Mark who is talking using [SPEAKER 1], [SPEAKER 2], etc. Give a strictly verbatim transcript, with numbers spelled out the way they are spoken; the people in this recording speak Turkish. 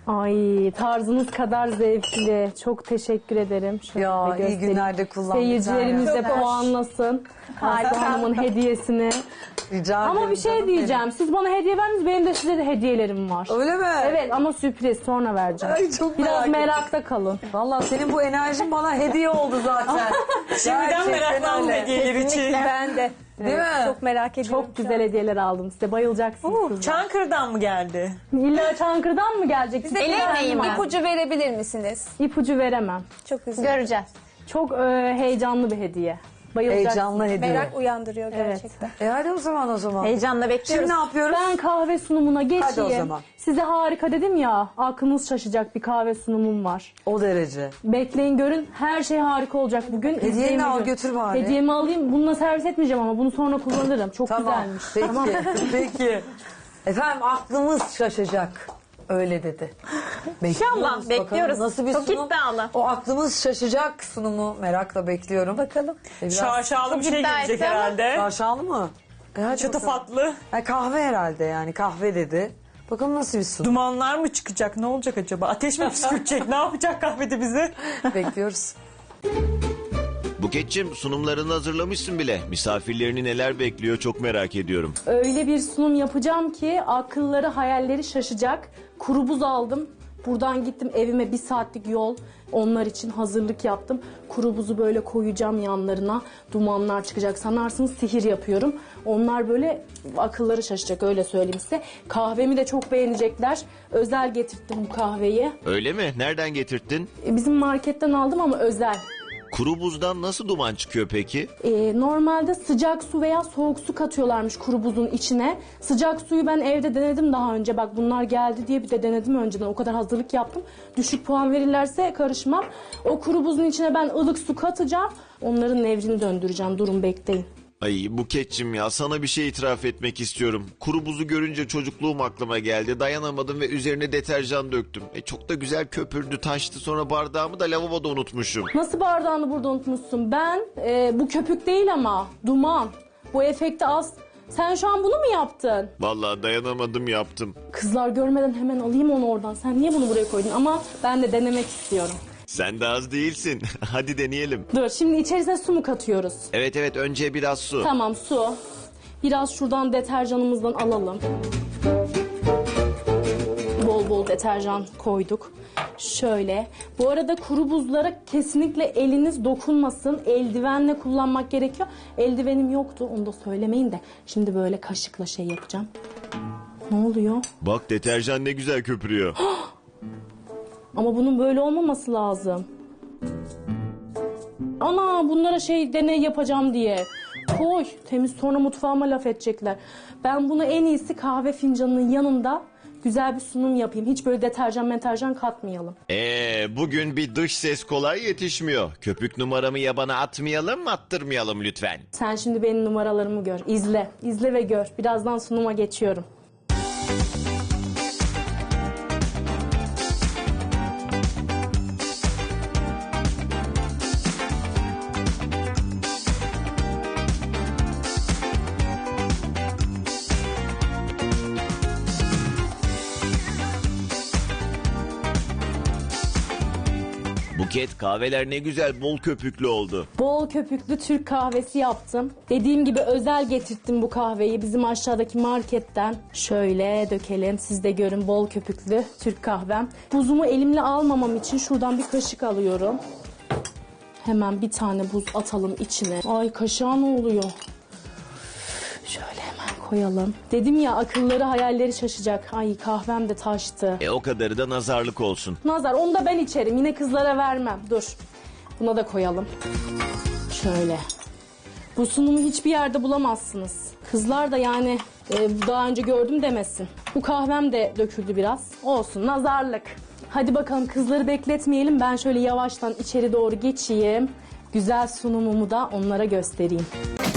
[SPEAKER 1] Ay tarzınız kadar zevkli. Çok teşekkür ederim. Şöyle
[SPEAKER 2] Ya,
[SPEAKER 1] bir
[SPEAKER 2] iyi
[SPEAKER 1] göstereyim.
[SPEAKER 2] günlerde kullan bir
[SPEAKER 1] Seyircilerimiz de
[SPEAKER 2] tane.
[SPEAKER 1] puanlasın. Aslı Hanım'ın hediyesini.
[SPEAKER 2] Rica
[SPEAKER 1] Ama
[SPEAKER 2] ederim
[SPEAKER 1] bir şey
[SPEAKER 2] canım
[SPEAKER 1] diyeceğim.
[SPEAKER 2] benim.
[SPEAKER 1] Siz bana hediye verdiniz. Benim de size de hediyelerim var.
[SPEAKER 2] Öyle mi?
[SPEAKER 1] Evet ama sürpriz. Sonra vereceğim.
[SPEAKER 2] Ay, çok
[SPEAKER 1] Biraz
[SPEAKER 2] merak ettim.
[SPEAKER 1] merakta kalın.
[SPEAKER 2] Vallahi senin bu enerjin bana hediye oldu zaten.
[SPEAKER 3] Şimdiden
[SPEAKER 2] Gerçekten
[SPEAKER 3] meraklandım
[SPEAKER 2] öyle.
[SPEAKER 3] hediyeler için.
[SPEAKER 4] Ben de.
[SPEAKER 2] Değil mi?
[SPEAKER 4] Çok merak ediyorum.
[SPEAKER 1] Çok güzel hediyeler aldım size. Bayılacaksınız kızlar.
[SPEAKER 3] Çankırı'dan mı geldi?
[SPEAKER 1] İlla Çankırı'dan mı gelecek? Size
[SPEAKER 4] El emeği mi?
[SPEAKER 1] İpucu
[SPEAKER 4] İpucu verebilir misiniz?
[SPEAKER 1] İpucu veremem.
[SPEAKER 4] Çok üzüldüm. Göreceğiz.
[SPEAKER 1] Çok e, heyecanlı bir hediye. Bayılacaksınız.
[SPEAKER 2] Heyecanlı hediye.
[SPEAKER 4] Merak uyandırıyor
[SPEAKER 1] Evet.
[SPEAKER 4] gerçekten.
[SPEAKER 2] E hadi o zaman o zaman.
[SPEAKER 4] Heyecanla bekliyoruz.
[SPEAKER 2] Şimdi ne yapıyoruz?
[SPEAKER 1] Ben kahve sunumuna geçeyim.
[SPEAKER 2] Hadi o zaman.
[SPEAKER 1] Size harika dedim ya, aklınız şaşacak bir kahve sunumum var.
[SPEAKER 2] O derece.
[SPEAKER 1] Bekleyin görün, her şey harika olacak bugün.
[SPEAKER 2] Hediyeni
[SPEAKER 1] İzleyin
[SPEAKER 2] al
[SPEAKER 1] bugün.
[SPEAKER 2] götür bari.
[SPEAKER 1] Hediyemi alayım, bununla servis etmeyeceğim ama bunu sonra kullanırım. Çok
[SPEAKER 2] Tamam.
[SPEAKER 1] güzelmiş.
[SPEAKER 2] Peki.
[SPEAKER 1] Tamam.
[SPEAKER 2] Peki. Efendim aklımız şaşacak. Öyle dedi. Bekliyoruz, bakalım
[SPEAKER 4] bekliyoruz.
[SPEAKER 2] Nasıl bir
[SPEAKER 4] Çok
[SPEAKER 2] sunum?
[SPEAKER 4] iddialı.
[SPEAKER 2] O aklımız şaşacak sunumu merakla bekliyorum.
[SPEAKER 4] Bakalım.
[SPEAKER 2] E, biraz
[SPEAKER 3] Şaşalı bir şey
[SPEAKER 4] iddia
[SPEAKER 3] gelecek
[SPEAKER 4] etti ama.
[SPEAKER 3] herhalde.
[SPEAKER 2] şaşalı mı? E, hadi bakalım.
[SPEAKER 3] Şatafatlı.
[SPEAKER 2] Ha, kahve herhalde yani kahve dedi. Bakalım nasıl bir sunum.
[SPEAKER 3] Dumanlar mı çıkacak? Ne olacak acaba? Ateş mi püskürtecek? Ne yapacak kahvede bizi?
[SPEAKER 2] Bekliyoruz.
[SPEAKER 5] Buketçim sunumlarını hazırlamışsın bile. Misafirlerini neler bekliyor çok merak ediyorum.
[SPEAKER 1] Öyle bir sunum yapacağım ki akılları hayalleri şaşacak. Kuru buz aldım. Buradan gittim evime bir saatlik yol. Onlar için hazırlık yaptım. Kuru buzu böyle koyacağım yanlarına. Dumanlar çıkacak. Sanarsınız sihir yapıyorum. Onlar böyle akılları şaşacak öyle söyleyeyim size. Kahvemi de çok beğenecekler. Özel getirttim bu kahveyi.
[SPEAKER 5] Öyle mi? Nereden getirttin?
[SPEAKER 1] E, Bizim marketten aldım ama özel.
[SPEAKER 5] Kuru buzdan nasıl duman çıkıyor peki?
[SPEAKER 1] Ee, normalde sıcak su veya soğuk su katıyorlarmış kuru buzun içine. Sıcak suyu ben evde denedim daha önce. Bak bunlar geldi diye bir de denedim önceden. O kadar hazırlık yaptım. Düşük puan verirlerse karışmam. O kuru buzun içine ben ılık su katacağım. Onların nevrini döndüreceğim. Durun bekleyin.
[SPEAKER 5] Ay Buketçim ya sana bir şey itiraf etmek istiyorum. Kuru buzu görünce çocukluğum aklıma geldi. Dayanamadım ve üzerine deterjan döktüm. E, çok da güzel köpürdü taştı sonra bardağımı da lavaboda unutmuşum.
[SPEAKER 1] Nasıl bardağını burada unutmuşsun? Ben e, bu köpük değil ama duman. Bu efekti az. Sen şu an bunu mu yaptın?
[SPEAKER 5] Vallahi dayanamadım yaptım.
[SPEAKER 1] Kızlar görmeden hemen alayım onu oradan. Sen niye bunu buraya koydun? Ama ben de denemek istiyorum.
[SPEAKER 5] Sen de az değilsin. Hadi deneyelim.
[SPEAKER 1] Dur şimdi içerisine su mu katıyoruz?
[SPEAKER 5] Evet evet önce biraz su.
[SPEAKER 1] Tamam su. Biraz şuradan deterjanımızdan alalım. Bol bol deterjan koyduk. Şöyle. Bu arada kuru buzlara kesinlikle eliniz dokunmasın. Eldivenle kullanmak gerekiyor. Eldivenim yoktu onu da söylemeyin de. Şimdi böyle kaşıkla şey yapacağım. Ne oluyor?
[SPEAKER 5] Bak deterjan ne güzel köpürüyor.
[SPEAKER 1] Ama bunun böyle olmaması lazım. Ana bunlara şey deney yapacağım diye. Koy temiz sonra mutfağıma laf edecekler. Ben bunu en iyisi kahve fincanının yanında güzel bir sunum yapayım. Hiç böyle deterjan meterjan katmayalım.
[SPEAKER 5] Ee, bugün bir dış ses kolay yetişmiyor. Köpük numaramı yabana atmayalım attırmayalım lütfen.
[SPEAKER 1] Sen şimdi benim numaralarımı gör. İzle. İzle ve gör. Birazdan sunuma geçiyorum.
[SPEAKER 5] Buket kahveler ne güzel bol köpüklü oldu.
[SPEAKER 1] Bol köpüklü Türk kahvesi yaptım. Dediğim gibi özel getirttim bu kahveyi bizim aşağıdaki marketten. Şöyle dökelim siz de görün bol köpüklü Türk kahvem. Buzumu elimle almamam için şuradan bir kaşık alıyorum. Hemen bir tane buz atalım içine. Ay kaşığa ne oluyor? Şöyle hemen koyalım. Dedim ya akılları hayalleri şaşacak. Ay kahvem de taştı.
[SPEAKER 5] E o kadarı da nazarlık olsun.
[SPEAKER 1] Nazar onu da ben içerim. Yine kızlara vermem. Dur. Buna da koyalım. Şöyle. Bu sunumu hiçbir yerde bulamazsınız. Kızlar da yani e, daha önce gördüm demesin. Bu kahvem de döküldü biraz. Olsun nazarlık. Hadi bakalım kızları bekletmeyelim. Ben şöyle yavaştan içeri doğru geçeyim. Güzel sunumumu da onlara göstereyim.